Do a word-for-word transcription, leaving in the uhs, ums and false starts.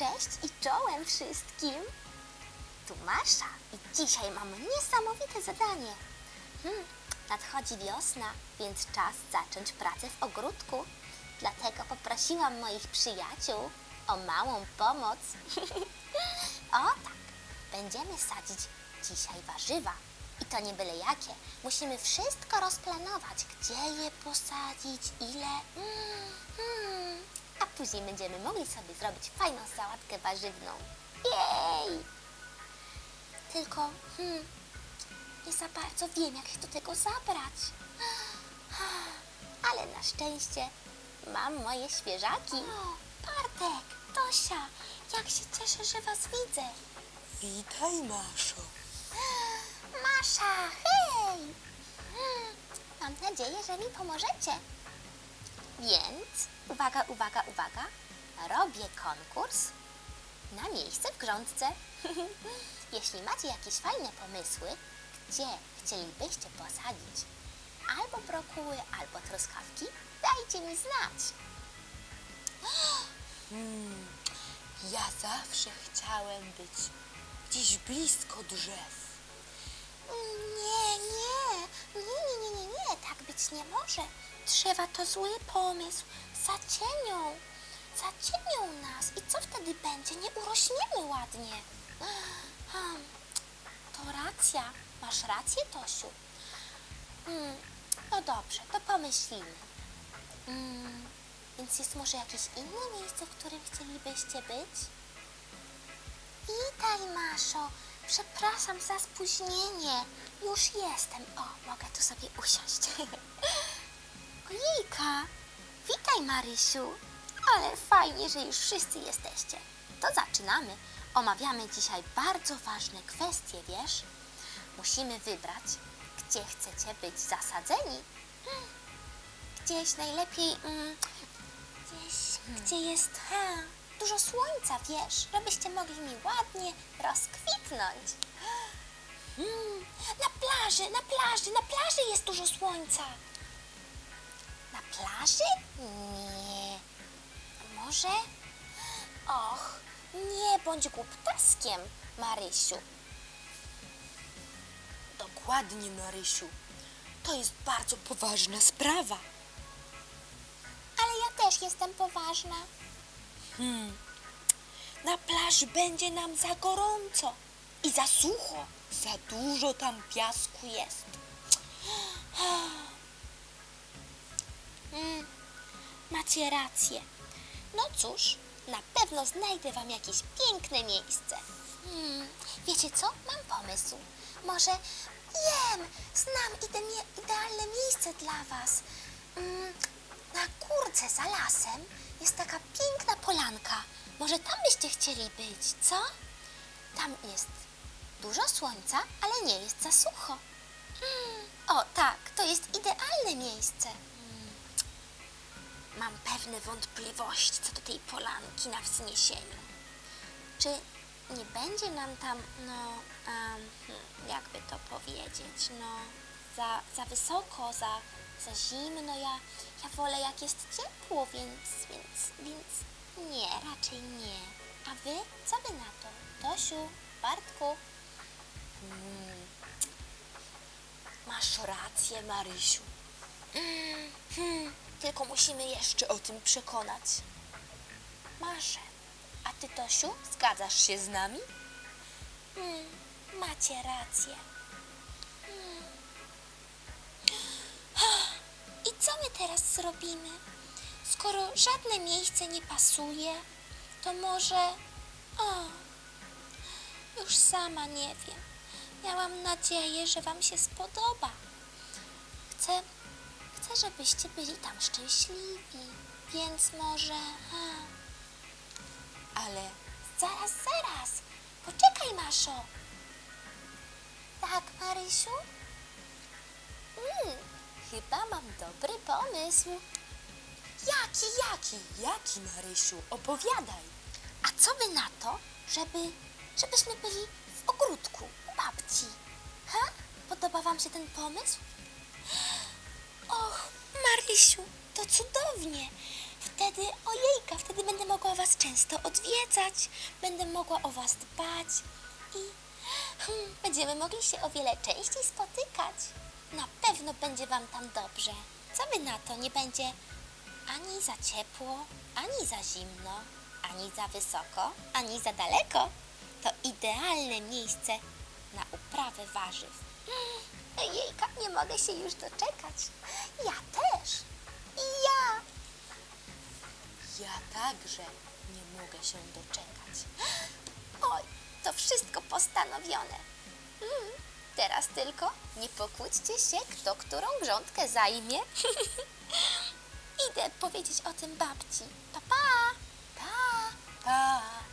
Cześć i czołem wszystkim! Tu Masza i dzisiaj mam niesamowite zadanie. Hmm, nadchodzi wiosna, więc czas zacząć pracę w ogródku. Dlatego poprosiłam moich przyjaciół o małą pomoc. O tak, będziemy sadzić dzisiaj warzywa. I to nie byle jakie. Musimy wszystko rozplanować, gdzie je posadzić, ile. Mm, mm. A później będziemy mogli sobie zrobić fajną sałatkę warzywną. Jej! Tylko hmm, nie za bardzo wiem, jak się do tego zabrać. Ale na szczęście mam moje świeżaki. O, Bartek, Tosia, jak się cieszę, że was widzę. Witaj, Maszo. Masza, hej! Hmm, Mam nadzieję, że mi pomożecie. Więc, uwaga, uwaga, uwaga, robię konkurs na miejsce w grządce. Jeśli macie jakieś fajne pomysły, gdzie chcielibyście posadzić albo brokuły, albo truskawki, dajcie mi znać. Hmm, ja zawsze chciałem być gdzieś blisko drzew. Nie, nie, nie, nie, nie, nie, nie, tak być nie może. Drzewa to zły pomysł, zacienią, zacienią nas i co wtedy będzie? Nie urośniemy ładnie. Hmm, to racja, masz rację, Tosiu. Hmm, no dobrze, to pomyślimy. Hmm, więc jest może jakieś inne miejsce, w którym chcielibyście być? Witaj, Maszo. Przepraszam za spóźnienie. Już jestem. O, mogę tu sobie usiąść. Ojejka. Witaj, Marysiu. Ale fajnie, że już wszyscy jesteście. To zaczynamy. Omawiamy dzisiaj bardzo ważne kwestie, wiesz? Musimy wybrać, gdzie chcecie być zasadzeni. Gdzieś najlepiej... Mm, gdzieś, hmm. gdzie jest... Ha, dużo słońca, wiesz, żebyście mogli mi ładnie rozkwitnąć. Mm, na plaży, na plaży, na plaży jest dużo słońca. Na plaży? Nie. A może? Och, nie bądź głuptaskiem, Marysiu. Dokładnie, Marysiu. To jest bardzo poważna sprawa. Ale ja też jestem poważna. Hmm. Na plaży będzie nam za gorąco i za sucho. Za dużo tam piasku jest. Mm, macie rację. No cóż, na pewno znajdę wam jakieś piękne miejsce. Hmm, wiecie co? Mam pomysł. Może wiem, znam ide- idealne miejsce dla was. Mm, na górce za lasem jest taka piękna polanka. Może tam byście chcieli być, co? Tam jest dużo słońca, ale nie jest za sucho. Hmm, o tak, to jest idealne miejsce. Hmm. Mam pewne wątpliwości co do tej polanki na wzniesieniu. Czy nie będzie nam tam, no, um, jakby to powiedzieć, no, za, za wysoko, za, za zimno. Ja, ja wolę jak jest ciepło, więc, więc, więc nie, raczej nie. A wy? Co wy na to? Tosiu, Bartku? Hmm. Masz rację, Marysiu. Mm, hmm, Tylko musimy jeszcze o tym przekonać. Maszę. A ty, Tosiu? Zgadzasz się z nami? Hmm, macie rację. Hmm. I co my teraz zrobimy? Skoro żadne miejsce nie pasuje, to może... O, już sama nie wiem. Miałam nadzieję, że wam się spodoba. Chcę, chcę, żebyście byli tam szczęśliwi, więc może... Ha. Ale Zaraz, zaraz. Poczekaj, Maszo. Tak, Marysiu? Mm, chyba mam dobry pomysł. jaki, jaki, jaki, Marysiu? Opowiadaj. A co wy na to, żeby, żebyśmy byli w ogródku u babci? Ha? Podoba wam się ten pomysł? Och, Marysiu, to cudownie. Wtedy, ojejka, wtedy będę mogła was często odwiedzać. Będę mogła o was dbać i hmm, będziemy mogli się o wiele częściej spotykać. Na pewno będzie wam tam dobrze. Co wy na to? Nie będzie ani za ciepło, ani za zimno, ani za wysoko, ani za daleko. To idealne miejsce na uprawę warzyw. Mm, Jejka, nie mogę się już doczekać. Ja też. I ja. Ja także nie mogę się doczekać. Oj, to wszystko postanowione. Mm, teraz tylko nie pokłóćcie się, kto którą grządkę zajmie. Idę powiedzieć o tym babci. Pa, pa. Pa!